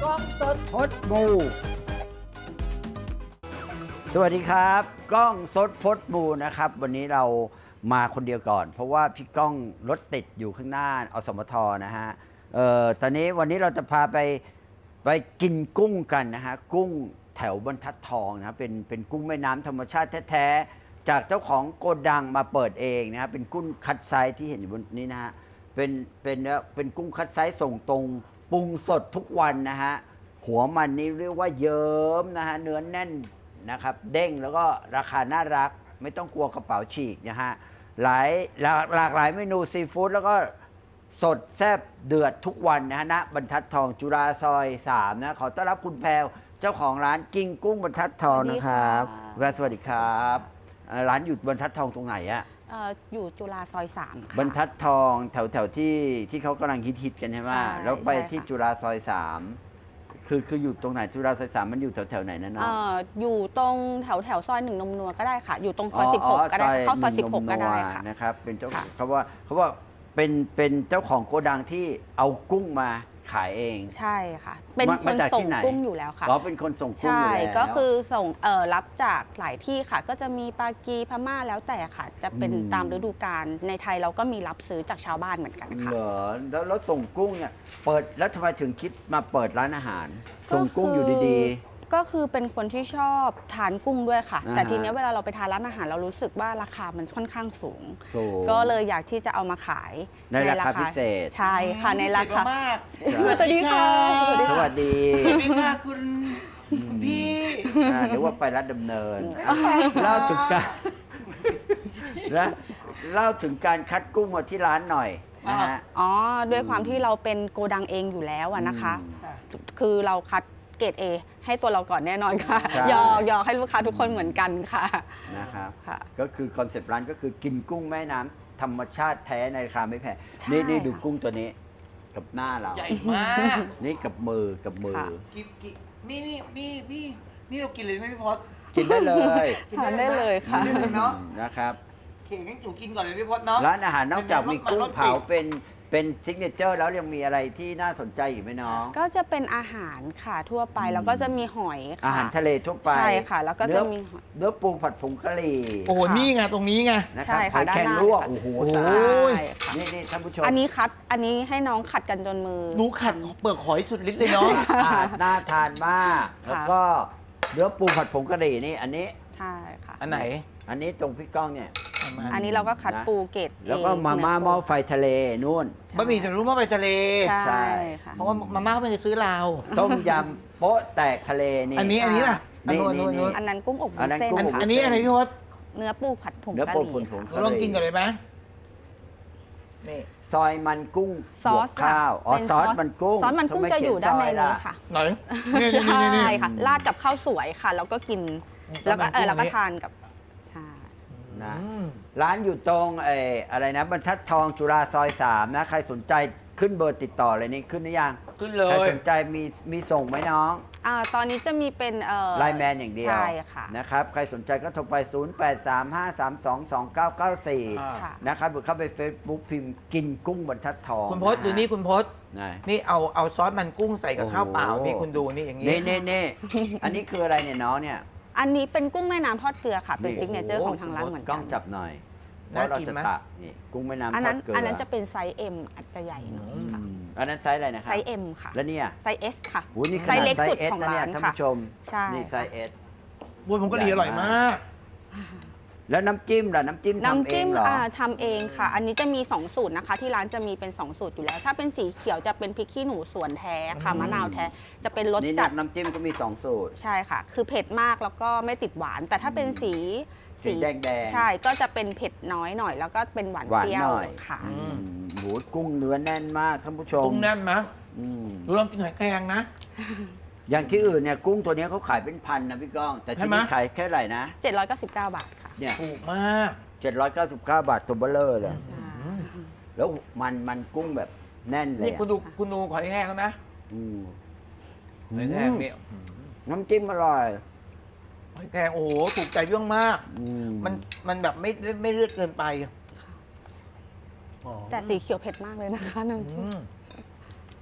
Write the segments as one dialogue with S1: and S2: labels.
S1: กล้องสดพดบูสวัสดีครับกล้องสดพดบูนะครับวันนี้เรามาคนเดียวก่อน เพราะว่าพี่ก้องรถติดอยู่ข้างหน้าอสมทนะฮะตอนนี้วันนี้เราจะพาไปกินกุ้งกันนะฮะกุ้งแถวบรรทัดทองนะเป็นกุ้งแม่น้ำธรรมชาติแท้ๆจากเจ้าของโกดังมาเปิดเองนะฮะเป็นกุ้งคัดไซส์ที่เห็นอยู่บนนี้นะฮะเป็นกุ้งคัดไซส์ส่งตรงปรุงสดทุกวันนะฮะหัวมันนี่เรียกว่าเยิ้มนะฮะเนื้อแน่นนะครับเด้งแล้วก็ราคาน่ารักไม่ต้องกลัวกระเป๋าฉีกนะฮะหลากหลายเมนูซีฟู้ดแล้วก็สดแซ่บเดือดทุกวันนะฮะณบรรทัดทองจุฬาซอย3นะขอต้อนรับคุณแพรวเจ้าของร้านกิ้งกุ้งบรรทัดทองนะครับสวัสดีครับร้านอยู่บรรทัดทองตรงไหนอะ
S2: อยู่จุฬาซอย3ค่ะ
S1: บรรทัดทองแถวที่เขากำลังฮิตกันใช่ไหมแล้วไปที่จุฬาซอย3คืออยู่ตรงไหนจุฬาซอย3มันอยู่แถวไหนนะน้อง
S2: อยู่ตรงแถวซอย1นมนัวก็ได้ค่ะอยู่ตรงซอย16ก็ได้เข้าซอย16ก็ได้ค่ะ
S1: นะครับเป็นเจ้าเขาว่าเป็นเจ้าของโกดังที่เอากุ้งมาขายเอง
S2: ใช่ค่ะเป็นคนส่งกุ้งอยู่แล้วค่ะ
S1: เป็นคนส่งกุ้งอยู่แล้ว
S2: ก็คือส่งรับจากหลายที่ค่ะก็จะมีปากีพม่าแล้วแต่ค่ะจะเป็นตามฤดูกาลในไทยเราก็มีรับซื้อจากชาวบ้านเหมือนกันค่ะ
S1: เหรอแล้วส่งกุ้งเนี่ยเปิดแล้วทำไมถึงคิดมาเปิดร้านอาหารส่งกุ้งอยู่ดีๆ
S2: ก็คือเป็นคนที่ชอบทานกุ้งด้วยค่ะแต่ทีนี้เวลาเราไปทานร้านอาหารเรารู้สึกว่าราคามันค่อนข้างสูงก็เลยอยากที่จะเอามาขาย
S1: ในราคาพิเศษ
S2: ใช่ค่ะในราคา
S3: สวัสดีค่ะ
S1: สวัสดี
S3: ค่ะคุณพี่
S1: หรือว่าไปรัฐดำเนินเล่าถึงการเล่าถึงการคัดกุ้งมาที่ร้านหน่อยนะฮะ
S2: ด้วยความที่เราเป็นโกดังเองอยู่แล้วนะคะคือเราคัดเกรด A ให้ตัวเราก่อนแน่นอนค่ะยอให้ลูกค้าทุกคนเหมือนกันค่ะ
S1: นะครับก็คือคอนเซปต์ร้านก็คือกินกุ้งแม่น้ำธรรมชาติแท้ในราคาไม่แพงนี่ดูกุ้งตัวนี้กับหน้าเรา
S3: ใหญ่มาก
S1: นี่กับมือ
S3: นี่เรากินเลยไหมพี่พศ
S1: กินได้เลย
S2: ทานได้เลยค่ะ
S3: เนาะ
S1: นะครับ
S3: เข่งงั้นจูกินก่อนเลยพี่พศเนาะ
S1: ร้านอาหารนอกจากมีกุ้งเผาเป็นซิกเนเจอร์แล้วยังมีอะไรที่น่าสนใจอีกไหมน้อง
S2: ก็จะเป็นอาหารค่ะทั่วไปแล้วก็จะมีหอยค่ะ
S1: อาหารทะเลทั่วไป
S2: ใช่ค่ะแล้วก็จะมี
S1: เนื้อปูผัดผงกะหรี่
S3: โอ้โหนี่ไงตรงนี้ไง
S1: นะครับหอยแครงลวกโอ้โหนี่ท่านผู้ชม
S2: อันนี้ให้น้องขัดกันจนมือ
S3: หนูขัดเปลือกหอยสุดฤทธิ์เลยเนาะ
S1: น่าทานมากแล้วก็เนื้อปูผัดผงกะหรี่นี่อันนี้
S2: ใช่ค่ะ
S3: อันไหน
S1: อันนี้ตรงพี่ก้องเนี่ย
S2: อันนี้เราก็คัดปูเกรด
S1: แล้วก็มาม่าหม้อไฟทะเลนู่น
S3: บะหมี่สำเร็จรูปหม้อไฟทะเล
S2: ใช่ค่ะ
S3: เพราะว่ามาม่าเขาไม่ได้ซื้อเรา
S1: ต้มยำโป๊ะแตกทะเลนี่
S3: อันนี้ป่ะ
S2: อันนั้นกุ้งอบวุ้นเส้นค่ะ
S3: อันนี้อะไรพี่พศ
S2: เนื้อปูผัดผงกะหรี่
S3: ลองกินก่อนเลยไหม
S1: นี่ซอยมันกุ้งซอสข้าวซอสมันกุ้ง
S2: ซอสมันกุ้งจะอยู่ด้านในนี้ค่ะ
S3: ไหน
S2: ใช่ค่ะราดกับข้าวสวยค่ะแล้วก็กินแล้วก็ทานกับ
S1: นะร้านอยู่ตรงอะไรนะบรรทัดทองจุฬาซอย3นะใครสนใจขึ้นเบอร์ติดต่อเลยนี่ขึ้นหรือยัง
S3: ขึ้นเลย
S1: ใครสนใจมีส่งไหมน้อง
S2: ตอนนี้จะมีเป็น
S1: ไลน์แมนอย่างเดียว
S2: ใช่ค่ะ
S1: นะครับใครสนใจก็โทรไป0835322994นะครับหรือเข้าไป Facebook พิมพ์กินกุ้งบรรทัดทอง
S3: คุณพศดูนี่คุณพศนี่เอาซอสมันกุ้งใส่กับข้าวเปล่านี่คุณดูนี่อย่างนี้
S1: นี่อันนี้คืออะไรเนี่ยน้องเนี่ย
S2: อันนี้เป็นกุ้งแม่น้ำทอดเกลือค่ะเป็นซิกเนเจอร์ของทางร้านเหมือนกัน
S1: กล้องจับหน่อยว่าเราจะตักนี่กุ้งแม่น้ำทอดเกลือ
S2: อันนั้นจะเป็นไซส์ M อาจจะใหญ่หน่อยค่ะ
S1: อันนั้นไซส์อะไรนะครับ
S2: ไซส์ M ค่ะ
S1: แล้วเนี่ย
S2: ไซส์ S ค่ะ
S1: ไซส์
S2: เล็กสุดของร้าน
S1: ท่านผู้ชมนี่ไซส์ S
S3: วุ้นผมก็ดีอร่อยมาก
S1: แล้วน้ำจิ้มล่ะน้ำจิ้มทำเองเหรอ
S2: ทำเองค่ะอันนี้จะมี2สูตรนะคะที่ร้านจะมีเป็น2สูตรอยู่แล้วถ้าเป็นสีเขียวจะเป็นพริกขี้หนูสวนแท้ค่ะมะนาวแท้จะเป็นรสจัด
S1: น้ำจิ้มก็มี2สูตร
S2: ใช่ค่ะคือเผ็ดมากแล้วก็ไม่ติดหวานแต่ถ้าเป็นสี
S1: แดง
S2: ใช่ก็จะเป็นเผ็ดน้อยหน่อยแล้วก็เป็นหวานเปรี้ยวค่ะ
S1: หมูกุ้งเนื้อแน่นมากท่านผู้ชม
S3: กุ้งแน่นนะดูลองกินหอยแครงนะ
S1: อย่างที่อื่นเนี่ยกุ้งตัวนี้เขาขายเป็นพันนะพี่ก้องแต่ที่นี่ขายแค่ไหร่นะ
S2: 799 บาทค่ะ
S1: เนี่ย
S3: ถูกมาก
S1: 799 บาทตัวเบลเลอร์เลยแล้วมันกุ้งแบบแน่นเลย
S3: นี่คุณดูหอยแครงเขานะหอยแครงเนี่ย
S1: น้ำจิ้มอร่อย
S3: หอยแครงโอ้โหถูกใจเรื่องมากมันแบบไม่เลือดเกินไป
S2: แต่สีเขียวเผ็ดมากเลยนะคะน้ำจิ้ม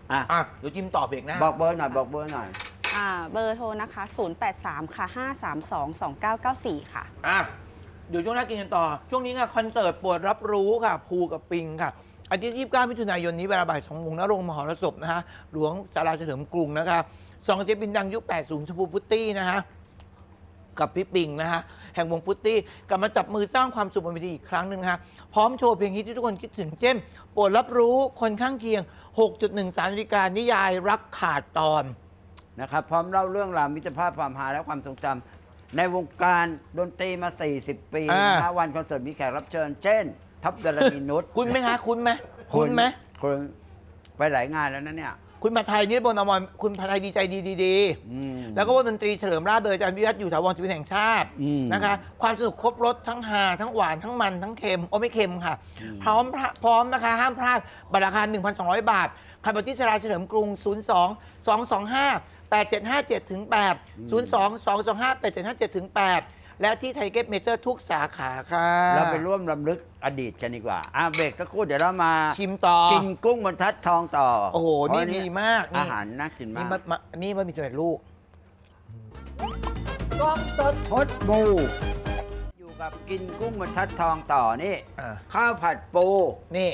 S1: อ่ะ
S3: เดี๋ยวจิ้มต่อเบรกหน้า
S1: บอกเบอร์หน่อยบอกเบอร์หน่อย
S2: เบอร์โทรนะคะ 083 ค่ะ 532 2994 ค่ะ
S3: เดี๋ยวช่วงหน้ากินกันต่อ ช่วงนี้ค่ะคอนเสิร์ตปวดรับรู้ค่ะภูกับปิงค่ะอาทิตย์ที่29มิถุนายนนี้เวลาบ่าย2 โมงณโรงมหรสพนะคะหลวงศาลาเฉลิมกรุงนะคะสองเจ๊บินดังยุค 80 ชมพูพุตตี้นะคะกับพี่ปิงนะคะแห่งวงพุตตี้กลับมาจับมือสร้างความสุขบนเวทีอีกครั้งหนึ่งนะคะพร้อมโชว์เพลงฮิตที่ทุกคนคิดถึงเช่นปวดรับรู้คนข้างเคียง 6.13 นาฬิกานิยายรักขาดตอน
S1: นะครับพร้อมเล่าเรื่องราวมิตรภาพความฮาและความทรงจำในวงการดนตรีมา 40 ปีนะฮะวันคอนเสิร์ตมีแขกรับเชิญ เช่น ท็อปดารณีนุช
S3: คุณไหมคะคุณไหมคุณไหม
S1: คุณไปหลายงานแล้วนะเนี่ย
S3: คุณผัดไทยนิรบนอมรคุณผัดไทยดีใจดี
S1: อืม
S3: แล้วก็วงดนตรีเฉลิมราชโดยอาจารย์วิรัตอยู่ถาวรศิลปินแห่งชาติ
S1: อืม
S3: นะคะความสนุกครบรสทั้งฮาทั้งหวานทั้งมันทั้งเค็มโอ้ไม่เค็มค่ะ พร้อมนะคะห้ามพลาดบัตรราคา 1,200 บาทใครไปที่สราเฉลิมกรุง 02-225-8757ถึง8 02-225-8757ถึง8และที่ไทยเก็ตเมเจอร์ทุกสาขาค่ะ
S1: เราไปร่วมรำลึกอดีตกันดีกว่าเบรกสักครู่เดี๋ยวเรามา
S3: ชิมต่อ
S1: กินกุ้งบรรทัดทองต่อ
S3: โอ้โห
S1: เพราะ
S3: นี่ดีมาก
S1: อาหารน่ากิน
S3: นี่
S1: มาก
S3: นี่บะหมี่สำเร็จรูปกล้องสด
S1: พดบูอยู่กับกินกุ้งบรรทัดทองต่อนี่
S3: อ่ะ
S1: ข้าวผัดปู
S3: นี่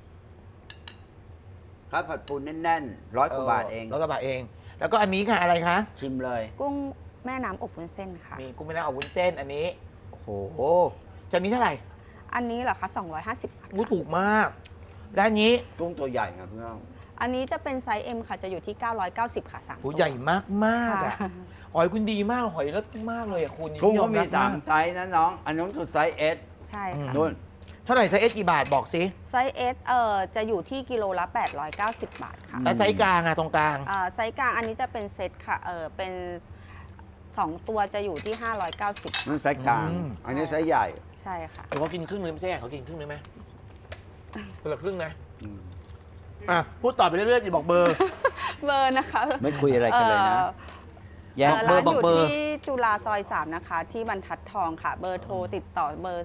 S1: ข้าวผัดปูแน่นๆ100 กว่าบาทเอง
S3: 100 กว่าบาทเอง แล้วก็อันนี้ค่ะอะไรคะ
S1: ชิมเลย
S2: กุ้งแม่น้ำอบวุ้นเส้นค่ะ
S3: มีกุ้งแม่น้ำอบวุ้นเส้นอันนี้
S1: โอ้โห
S3: จะมีเท่าไหร่
S2: อันนี้เหรอคะ250 บาท
S3: อู้ถูกมาก และอันนี้
S1: กุ้งตัวใหญ่ครับเพื่อน
S2: อันนี้จะเป็นไซส์ M ค่ะ จะอยู่ที่ 990 ค่ะ3
S3: หู
S2: ตัว
S3: ใหญ่มากมากๆ
S2: ค่ะ
S3: อะหอยคุณดีมาก หอยเลิศมากเลยอะคุณ
S1: กุ้งเขามี
S3: ยอรับ
S1: 3 ไซส์นะน้อง อันนู้นคือไซส์ S
S2: ใช่ค่ะ
S1: นู่น
S3: เท่าไหร่ไซส์เอสกี่บาทบอกสิ
S2: ไซส์ S จะอยู่ที่กิโลละ 890 บาทค่ะ
S3: แล้วไซส์กลางอะตรงกลาง
S2: ไซส์กลางอันนี้จะเป็นเซตค่ะ เป็น 2 ตัวจะอยู่ที่ 590
S1: นั่นไซส์กลาง อันนี้ไซส์ใหญ่
S2: ใช่ค่ะ
S3: เดี๋ยวเขากินครึ่งนึงไม่ใช่เขากินครึ่งนึงไหมคนละครึ่งนะ
S1: อืม
S3: พูดต่อไปเรื่อยๆจะบอกเบอร์
S2: เบอร์นะคะ
S1: ไม่คุยอะไรกันเลยนะ แยก
S3: เบอ
S2: ร้า
S3: ร์
S2: น
S3: บอก
S2: อยู่
S3: เบอร์
S2: ที่จุฬาซอย 3 นะคะ ที่บรรทัดทองค่ะ เบอร์โทรติดต่อเบอร์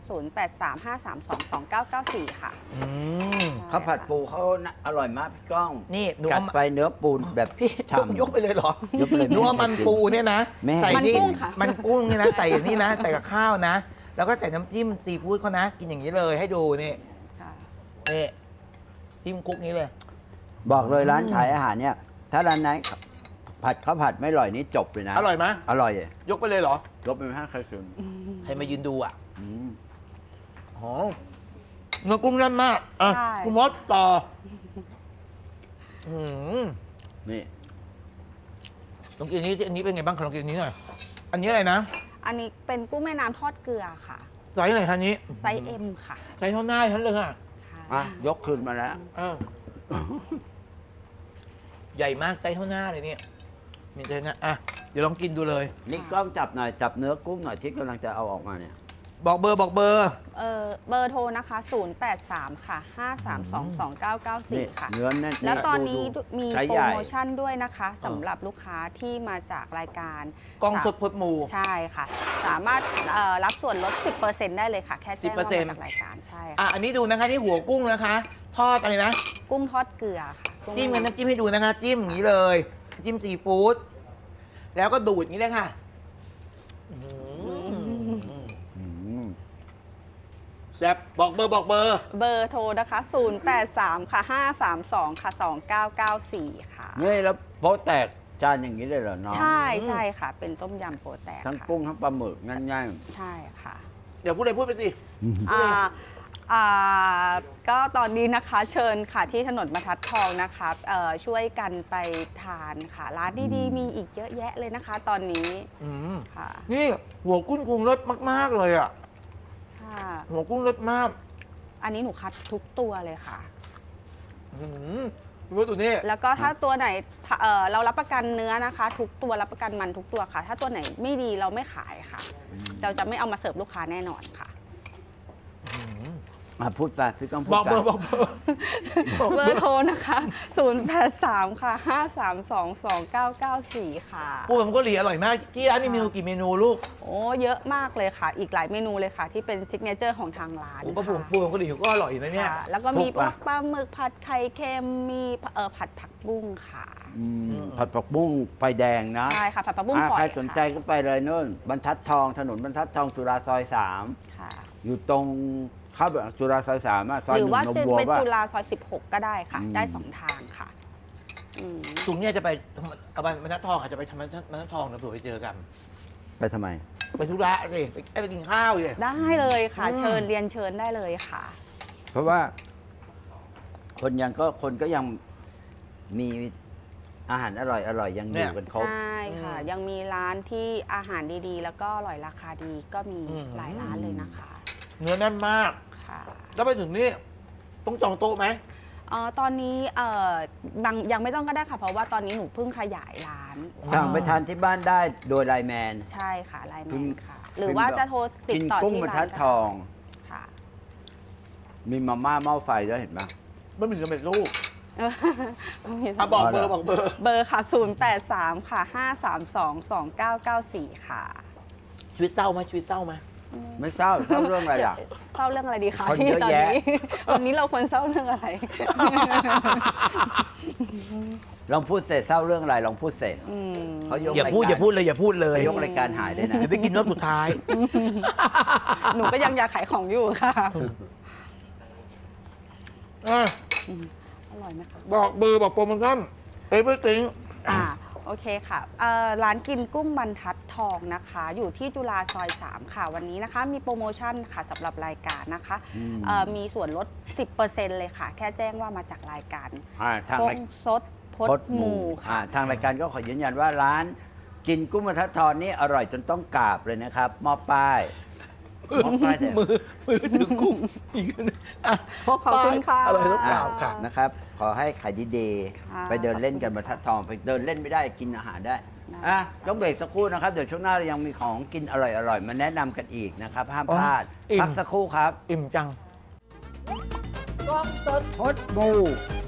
S2: 0835322994 ค่ะ
S3: อืม
S1: ข้าวผัดปูเขาน่ะอร่อยมากพี่ก้อง
S3: นี่หนู
S1: กัด
S3: เอามา
S1: ไปเนื้อปูนแบบ
S3: พี่
S1: ฉ่ำ
S3: ยกไปเลยเหรอย
S1: กไปเลย
S3: นัวมันปูเนี่ยนะ
S1: แม่
S3: ใส่
S2: มัน
S3: นี่
S2: กุ้งค่ะ
S3: มันกุ้งเนี่ยนะใส่นี่นะ ใส่กับข้าวนะ แล้วก็ใส่น้ำจิ้มซีฟู้ดเขานะ กินอย่างนี้เลยให้ดูนี่
S2: ค่ะ
S3: นี่จิ้มคุกนี้เลย
S1: บอกเลยร้านขายอาหารเนี่ย ถ้าร้านไหนผัดข้าวผัดไม่อร่อยนี่จบเลยนะ
S3: อร่อยไหม
S1: อร่อย
S3: ยกไปเลยเหรอ
S1: ยกไปไม่ให้ใครคืน
S3: ใครมายืนดูอ่ะ
S1: อืม
S3: อ๋อเนื้อกุ้งแน่นมากอ่ะ
S2: ใช่
S3: คุณมดต่ออืม
S1: นี่
S3: ลองกินอันนี้สิอันนี้เป็นไงบ้างขอลองกินอันนี้หน่อย อันนี้อะไรนะ
S2: อันนี้เป็นกุ้งแม่น้ำทอดเกลือค่ะ
S3: ไซส์ไหนคะอันนี้
S2: ไซส์ M ค่ะ
S3: ไซส์เท่าหน้าฉันเลยค่ะ
S2: ใช่
S1: อ่ะยกคืนมาแล้ว
S3: อ้าวใหญ่มากไซส์เท่าหน้าเลยเนี่ยมีใจนะอ่ะเดี๋ยวลองกินดูเลย
S1: นี่กล้องจับหน่อยจับเนื้อกุ้งหน่อยที่กำลังจะเอาออกมาเนี่ย
S3: บอกเบอร์บอกเบอร์
S2: เบอร์โทรนะคะ 083 ค่ะ 5322994 ค่ะ
S1: เนื้อแน่น
S2: แล้วตอนนี้
S1: ดู
S2: มี
S1: ไซส์
S2: โปร
S1: ใหญ่
S2: โมชั่นด้วยนะคะสำหรับลูกค้าที่มาจากรายการ
S3: กล้องสดพดหมู
S2: ใช่ค่ะ สามารถรับส่วนลด 10%ได้เลยค่ะ แค่แจ้งว่ามาจากรายการใช่
S3: อ่ะ
S2: ค่ะ
S3: อันนี้ดูนะคะนี่หัวกุ้งนะคะ ทอดอะไรนะ
S2: กุ้งทอดเกลือค่ะกุ้ง
S3: จิ้มกันน้ำจิ้มให้ดูนะคะ จิ้มอย่างนี้เลย จิ้มซีฟู้ดแล้วก็ดูดอย่างนี้เลยค่ะอืม
S1: อืม
S3: แซ่บบอกเบอร์บอกเบอร์
S2: เบอร์โทรนะคะ 083 ค่ะ 532 ค่ะ 2994 ค่ะ
S1: นี่แล้วโป๊ะแตกจานอย่างนี้เลยเหรอน้อง
S2: ใช่ใช่ค่ะ เป็นต้มยำโปรแตก
S1: ทั้ง
S2: ค่ะ
S1: กุ้งทั้งปลาหมึกง่าย
S2: ใช่ค่ะ
S3: เดี๋ยวพูดอะไรพูดไปสิ
S2: อ่าก็ตอนนี้นะคะเชิญค่ะที่ถนนบรรทัดทองนะคะช่วยกันไปทานค่ะ ร้านดีๆ มีอีกเยอะแยะเลยนะคะ ตอนนี้
S3: อืม
S2: ค่ะ
S3: นี่หัวกุ้งคงรสมาก ๆ เลยอ่ะ
S2: ค่ะ
S3: หัวกุ้งรสมาก
S2: อันนี้หนูคัดทุกตัวเลยค่ะ
S3: อืมดูว่าตัวนี้
S2: แล้วก็ถ้าตัวไหนเรารับประกันเนื้อนะคะ ทุกตัวรับประกันมันทุกตัวค่ะ ถ้าตัวไหนไม่ดีเราไม่ขายค่ะ เราจะไม่เอามาเสิร์ฟลูกค้าแน่นอนค่ะ
S3: น
S1: พูดไปพี่ก้องพูด
S3: บอก
S1: ไป
S3: เบอร์บอกเบอร์
S2: เบอร์โทรนะคะ 083 ค่ะ 5322994 ค่ะ
S3: ปูผัดผงกะหรี่อร่อยมาก ที่ร้านมีเมนูกี่เมนูลูก
S2: โอ้เยอะมากเลยค่ะ อีกหลายเมนูเลยค่ะ ที่เป็นซิกเนเจอร์ของทางร้าน
S3: ปู
S2: ค่ะ
S3: ผัดผงกะหรี่ก็อร่อยนะเนี่ย
S2: ค่ะแล้วก็มีพวกปลาหมึกผัดไข่เค็มมีผัดผักบุ้งค่ะ
S1: ผัดผักบุ้งไฟแดงนะ
S2: ใช่ค่ะผัดผักบุ้งฝอย
S1: ใครสนใจ
S2: ค่ะ
S1: ก็ไปเลยนู่นบรรทัดทองถนนบรรทัดทองจุฬาซอย
S2: ค่ะ
S1: 3 อยู่ตรงเข้าแบบจุฬาซอย3ซอย
S2: หรือ
S1: 1
S2: ว่า
S1: นม
S2: จะ
S1: บัว
S2: เป็น
S1: ป่ะ
S2: จุฬาซอย 16 ก็ได้ค่ะ
S1: อืม
S2: ได้ 2 ทางค่ะอืม
S3: สุงเนี่ยจะไปเอาบรรทัดทองอาจจะไปทำบรรทัดทองนะเผื่อไปเจอกัน
S1: ไปทำไม
S3: ไปธุระสิไปกินข้าวเลย
S2: ได้เลยค่ะ
S3: อืม
S2: เชิญเรียนเชิญได้เลยค่ะ
S1: เพราะว่าคนก็ยังมีอาหารอร่อยยังอยู่กันครบ
S2: ใช่ค่ะ ยังมีร้านที่อาหารดีๆ แล้วก็อร่อยราคาดีก็มีหลายร้านเลยนะคะ
S3: เนื้อแน่นมาก
S2: ค่ะ
S3: แล้วไปถึงนี่ต้องจองโต๊ะไหม
S2: ตอนนี้ยังไม่ต้องก็ได้ค่ะ เพราะว่าตอนนี้หนูเพิ่งขยายร้าน
S1: สั่งไปทานที่บ้านได้โดยไลน์แมน
S2: ใช่ค่ะไลน์แม
S1: พิม
S2: น
S1: พ์
S2: ค่ะ หรือว่าจะโทรติด
S1: กิน
S2: ต่อ
S1: กุ้ง
S2: ที่
S1: บรร
S2: ร้า
S1: ทั
S2: น
S1: ด
S2: ก็
S1: ทอง
S2: ค่ะ
S1: มีมาม่าหม้อไฟด้วยเห็นไหม
S3: ไม่มีสำเร็จรูป
S2: มี
S3: อ่ะบอกเบอร์บอกเบอร์
S2: เบอร์ค่ะ 083 ค่ะ 5322994 ค่ะ
S3: ชีวิตเศร้าไหมชีวิตเศร้าไหม
S1: ไม่เศร้าเรื่องอะไรอ่ะ
S2: เศร้าเรื่องอะไรดีคะ
S1: คน
S2: พี่
S1: เยอะ
S2: ตอน
S1: แยะ
S2: นี้ วันนี้เราควรเศร้าเรื่องอะไร
S1: ลองพูดเสร็จเศร้าเรื่องอะไรลองพูดเสร็จ
S2: อืม
S1: เขายก
S3: อย่าพูด
S1: ร
S3: อย่าพูดเลยอย่าพูดเลย
S1: เขายกรายการหายเลยนะ
S3: เดี๋ยวไปกินรอบสุดท้าย
S2: หนูก็ยังอยากขายของอยู่ค่ะ อร่อยไหมคะ
S3: บอกเบอร์บอกโปรโมชั่นเอเวอร์ติง
S2: โอเคค่ะร้านกินกุ้งบรรทัดทองนะคะ อยู่ที่จุฬาซอย 3 ค่ะ วันนี้นะคะ มีโปรโมชั่นค่ะสำหรับรายการนะคะ มีส่วนลด 10%เลยค่ะ แค่แจ้งว่ามาจากรายการ
S1: ทาง
S2: พ
S1: ราย
S2: งซดพดหมูค่ะ
S1: ทางรายการก็ขอยืนยันว่าร้านกินกุ้งบรรทัดทองนี่อร่อยจนต้องกราบเลยนะครับมอบป้ายมอบป้ายแต่
S3: มือถือกุ้งอีกนะอ่ะ
S2: ขอบคุณค่ะ
S3: อร่อยทุกอย่างค่ะ
S1: นะครับ ขอให้ขายดี
S2: ค่ะ
S1: ๆไปเดินเล่นกันบรรทัดทองไปเดินเล่นไม่ได้กินอาหารได้
S2: ได้
S1: ต้องเบรกสักครู่นะครับ เดี๋ยวช่วงหน้าเรายังมีของกินอร่อยๆมาแนะนำกันอีกนะครับห้ามพลาด
S3: อิ่ม
S1: พักสักครู่ครับ
S3: อิ่มจัง
S1: พดบู